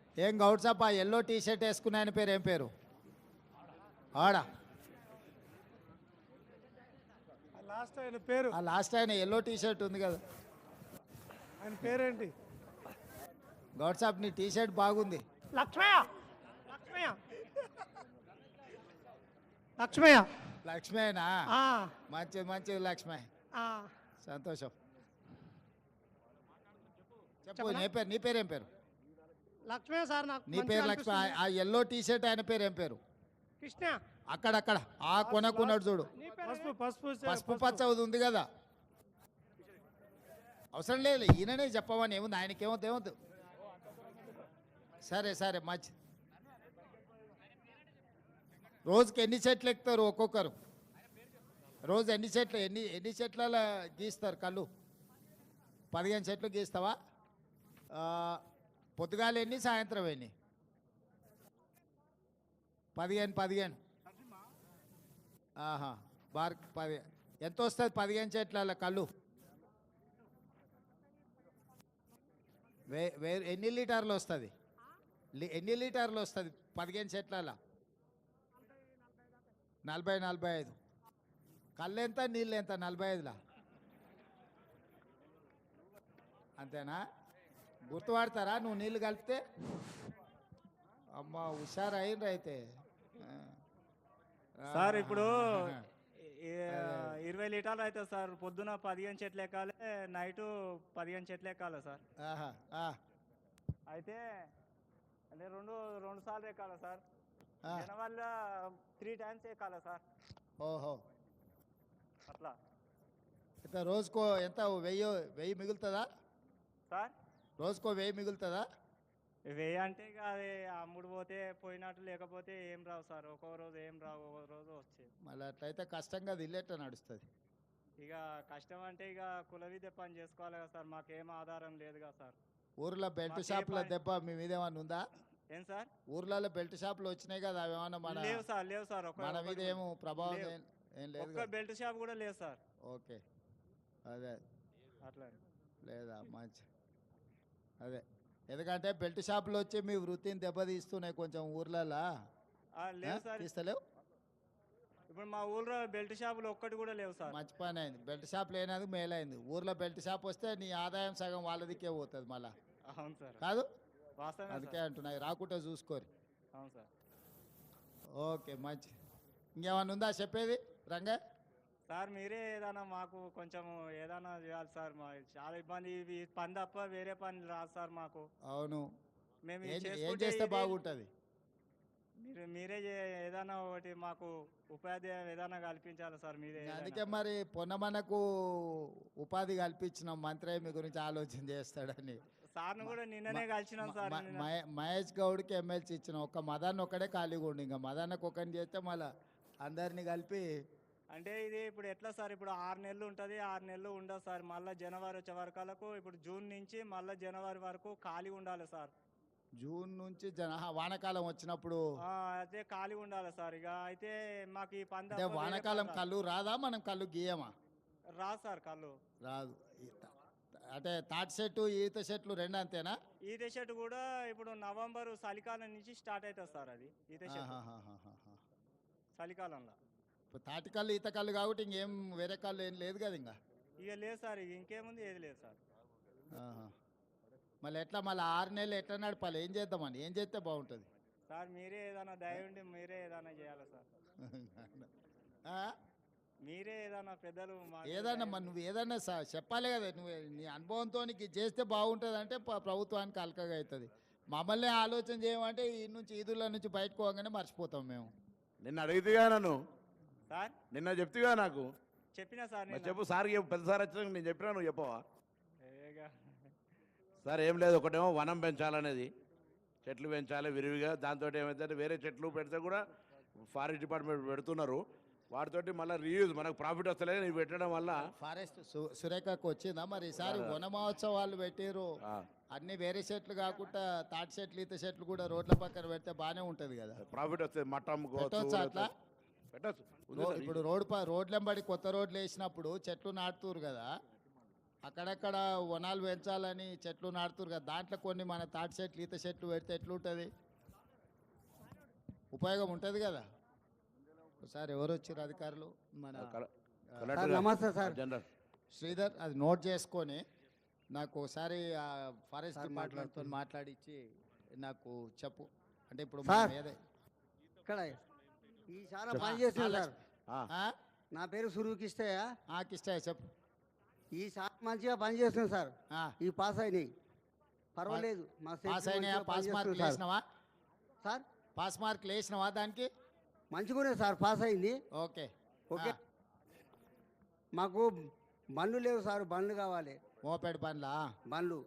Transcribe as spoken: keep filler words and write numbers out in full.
ఏం గౌడ్ సాబ్ ఆ yellow T shirt వేసుకున్న ఆయన పేరు ఏం పేరు? ఆడా లాస్ట్ ఆయన పేరు ఆ లాస్ట్ ఆయన ఎల్లో టీ షర్ట్ ఉంది కదా, ఆయన పేరేంటి? గౌడ్ సాబ్ నీ టీ షర్ట్ బాగుంది. లక్ష్మయ్య లక్ష్మయ్య లక్ష్మయ్య లక్ష్మేనా? ఆ, మంచిది మంచిది లక్ష్మే, ఆ. సంతోషం. చెప్పు చెప్పనా? నీ పేరు నీ పేరు ఏం పేరు? లక్ష్మయ్య సార్ నాకు నీ మంచిగా పేరు లక్ష్మి. అనిపిస్తుంది. ఆ ఎల్లో టీ షర్ట్ ఆయన పేరు ఏం పేరు? కృష్ణ. అక్కడక్కడ ఆ కొనకున్నాడు చూడు, నీ పేరు పసుపు పసుపు పసుపు పచ్చ ఉంది కదా. అవసరం లేదు, ఈయననే చెప్పమని ఏముంది, ఆయనకేమవుతుంది ఏమవుతుంది. సరే సరే మంచి. రోజుకి ఎన్ని చెట్లు ఎక్కుతారు ఒక్కొక్కరు? రోజు ఎన్ని చెట్లు ఎన్ని ఎన్ని చెట్ల గీస్తారు కళ్ళు? పదిహేను చెట్లు గీస్తావా? ఆ, పొద్దుగాల ఎన్ని, సాయంత్రం ఎన్ని? పదిహేను పదిహేను ఆహా, బార్ పది ఎంత వస్తుంది పదిహేను చెట్ల కళ్ళు? వే వే ఎన్ని లీటర్లు వస్తుంది? ఎన్ని లీటర్లు వస్తుంది పదిహేను చెట్ల? నలభై నలభై ఐదు. కళ్ళు ఎంత, నీళ్ళు ఎంత? నలభై ఐదులా అంతేనా? గుర్తుపడతారా నువ్వు నీళ్ళు కలిపితే? అమ్మ హుషారు అయిండ్రు అయితే. సార్ ఇప్పుడు ఆహా. ఈ- ఇరవై లీటర్లు అవుతుంది సార్. పొద్దున పదిహేను చెట్లు ఎక్కాలి, నైటు పదిహేను చెట్లు ఎక్కాలి సార్. ఆహా, ఆ, అయితే అంటే రెండు రెండు సార్లు ఎక్కాలి సార్. ఆ. వల్ల త్రీ టైమ్స్ ఎక్కాలి సార్. ఓహో, అట్లా ఎంత రోజుకో ఎంత వెయ్యి వెయ్యి మిగులుతుందా? సార్. రోజుకో వెయ్యి మిగులుతుందా? వెయ్యి అంటే ఇక అది అమ్ముడు పోతే పోయినట్టు, లేకపోతే ఏం రావు సార్. ఒక్కో రోజు ఏం రావు, ఒక్కో రోజు వచ్చేది. మళ్ళీ అట్లయితే కష్టంగా అది ఇల్లేట నడుస్తుంది. ఇక కష్టం అంటే ఇక కుల విద్య పని చేసుకోవాలి కదా సార్. మాకేం ఆధారం లేదు కదా సార్. ఊర్లో బెల్ట్ మాకే షాపుల పని- దెబ్బ మీ మీద ఏమన్నా ఉందా? ఏం సార్? ఊర్లలో బెల్ట్ షాపులు వచ్చినాయి కదా, అవి ఏమన్నా మన లేవు సార్, లేవు సార్. ఒక్క మన మీద ఒక్కటి ఏమో ప్రభావం లేవు. ఏం ఏం లేదు ఒక్క కదా? బెల్ట్ షాప్ కూడా లేదు సార్. ఓకే, అదే అట్లా లేదా మంచి. అదే ఎందుకంటే బెల్ట్ షాపులు వచ్చి మీ వృత్తిని దెబ్బతీస్తున్నాయి కొంచెం ఊర్లలో. ఆ, లేవు సార్. తీస్తలేవు? ఇప్పుడు మా ఊళ్ళో బెల్ట్ షాపులు ఒక్కటి కూడా లేవు సార్. మంచి పని అయింది, బెల్ట్ షాప్ లేనది మేలైంది. ఊర్లో బెల్ట్ షాప్ వస్తే నీ ఆదాయం సగం వాళ్ళదికే పోతుంది మళ్ళా, అవును సార్, కాదు? వాస్తవమే అందుకే సార్. అంటున్నాయి, రాకుంటే చూసుకోరు. అవును సార్. ఓకే మంచి. ఇంకేమన్నా ఉందా చెప్పేది రంగా? సార్ మీరే ఏదైనా మాకు కొంచెం ఏదైనా చేయాలి సార్. మా చాలా ఇబ్బంది, ఇవి పని తప్ప వేరే పని రాదు సార్ మాకు. అవును, మేము ఏం ఇది ఏం చేసుకుంటే చేస్తే ఇది- బాగుంటుంది? మీరు మీరే చే- ఏదైనా ఒకటి మాకు ఉపాధి ఏదైనా కల్పించాలి సార్. మీరే ఏదైనా. అందుకే మరి పొన్నమనకు ఉపాధి కల్పించినాం, మంత్రి మీ గురించి ఆలోచన చేస్తాడని. సార్ను కూడా నిన్ననే కలిసినాం సార్. మ- నిన్న. మహే- మహేష్ గౌడ్కి ఎమ్మెల్సీ ఇచ్చినాం, ఒక్క మదాన్ని ఒక్కడే ఖాళీగా ఉండి, ఇంకా మదాన్నకు ఒకరిని చేస్తే మళ్ళీ అందరినీ కలిపి. అంటే ఇది ఇప్పుడు ఎట్లా సార్? ఇప్పుడు ఆరు నెలలు ఉంటుంది, ఆరు నెలలు ఉండదు సార్. మళ్ళీ జనవరి వచ్చే వరకలకు, ఇప్పుడు జూన్ నుంచి మళ్ళీ జనవరి వరకు ఖాళీ ఉండాలి సార్. జూన్ నుంచి జన ఆహా, వానాకాలం వచ్చినప్పుడు. ఆ, అయితే ఖాళీ ఉండాలి సార్. ఇక అయితే మాకు ఈ పంద అంటే వానాకాలం కళ్ళు రాదా, మనం కళ్ళు గీయమా? రాదు సార్ కళ్ళు. రాదు. ఈ త- అంటే తాటి చెట్టు ఈత చెట్లు రెండు అంతేనా? ఈత చెట్టు కూడా ఇప్పుడు నవంబర్ చలికాలం నుంచి స్టార్ట్ అవుతుంది సార్. అది ఈత చెట్టు ఆహాహాహాహా. చలికాలంలో. ఇప్పుడు తాటి కళ్ళు ఈత కళ్ళు కాబట్టి ఇంకేం వేరే కళ్ళు ఏం లేదు కదా ఇంకా. ఇక లేదు సార్, ఇక ఇంకేముంది, ఏది లేదు సార్. ఆహా. మళ్ళీ ఎట్లా మళ్ళీ ఆరు నెలలు ఎట్లా నడపాలి? ఏం చేద్దామని, ఏం చేస్తే బాగుంటుంది? సార్ మీరే ఏదైనా దయ ఉండి మీరే ఏదైనా చేయాలి సార్. ఆ? మీరే ఏదైనా పెద్దలు మాకు ఏదన్నా దయ మరి ఉండి- నువ్వు ఏదన్నా స- చెప్పాలి కదా, నువ్వు నీ అనుభవంతో నీకు ఇది చేస్తే బాగుంటుంది అంటే ప- ప్రభుత్వానికి అలకగా అవుతుంది. మమ్మల్ని ఆలోచన చేయమంటే ఈ నుంచి ఈదుల నుంచి బయటకు పోగానే మర్చిపోతాం మేము. నిన్న అడిగితేగా నన్ను, సార్ నిన్న చెప్తిగా నాకు. చెప్పినా సార్ మరి నేను. చెప్పు సార్, చెప్పు. పెద్ద సార్ వచ్చినాక నేను చెప్పినా, నువ్వు చెప్పవా? ఏగా. సార్ ఏం లేదు, ఒకటేమో వనం పెంచాలనేది, చెట్లు పెంచాలి విరివిగా. దాంతో ఏమైతే వేరే చెట్లు పెడితే కూడా ఫారెస్ట్ డిపార్ట్మెంట్ పెడుతున్నారు, వాటితోటి మళ్ళీ రీయూజ్ మనకు ప్రాఫిట్ వస్తలేదు. ఇవి పెట్టడం వల్ల ఫారెస్ట్ సు- సురేఖకు వచ్చిందా మరి ఈసారి వన మహోత్సవాలు పెట్టిర్రు, ఆ, అన్ని వేరే చెట్లు కాకుండా తాటి చెట్లు ఈత చెట్లు కూడా రోడ్ల పక్కన పెడితే బాగానే ఉంటుంది కదా. ప్రాఫిట్ వస్తుంది. మట్టం పెట్టొచ్చా అట్లా? పెట్టచ్చు. రో- ఇప్పుడు రోడ్ ప రోడ్లెంబడి కొత్త రోడ్లు వేసినప్పుడు చెట్లు నాటుతురు కదా, అక్కడక్కడ వనాలు పెంచాలని చెట్లు నాటుతురు కదా, దాంట్లో కొన్ని మన తాటి చెట్లు ఈత చెట్లు పెడితే ఎట్లుంటుంది? ఉపయోగం ఉంటుంది కదా. ఒకసారి ఎవరు వచ్చారు అధికారులు? మన కల- ఆ, కలెక్టర్ గారు, నమస్తే సార్. జనరల్ శ్రీధర్, అది నోట్ చేసుకొని నాకు ఒకసారి ఆ ఫారెస్ట్ సార్ డిపార్ట్మెంట్తో మాట్లాడిచ్చి నాకు చెప్పు. అంటే ఇప్పుడు సార్. మనం ఏదే ఇక్కడ ఈ చాలా పని చేస్తుంది సార్. ఆ, ఆ? నా పేరు సురుకిష్టయ్య. ఆ, కిష్టయ్య చెప్పు. ఈ చాలా మంచిగా పని చేస్తుంది సార్. ఆ, ఈ పాస్ అయినాయి పర్వాలేదు. మా పాస్ సెక్రటరీ అయినాయా? మంచిగా పాస్ పని మార్కులు చేస్తుంది వేసినావా? సార్. పాస్ మార్కులు వేసినావా దానికి? మంచిగానే సార్ పాస్ అయింది. Okay okay. ఆ, మాకు బండ్లు లేవు సార్, బండ్లు కావాలి. మోపెడ్ బండ్లా? బండ్లు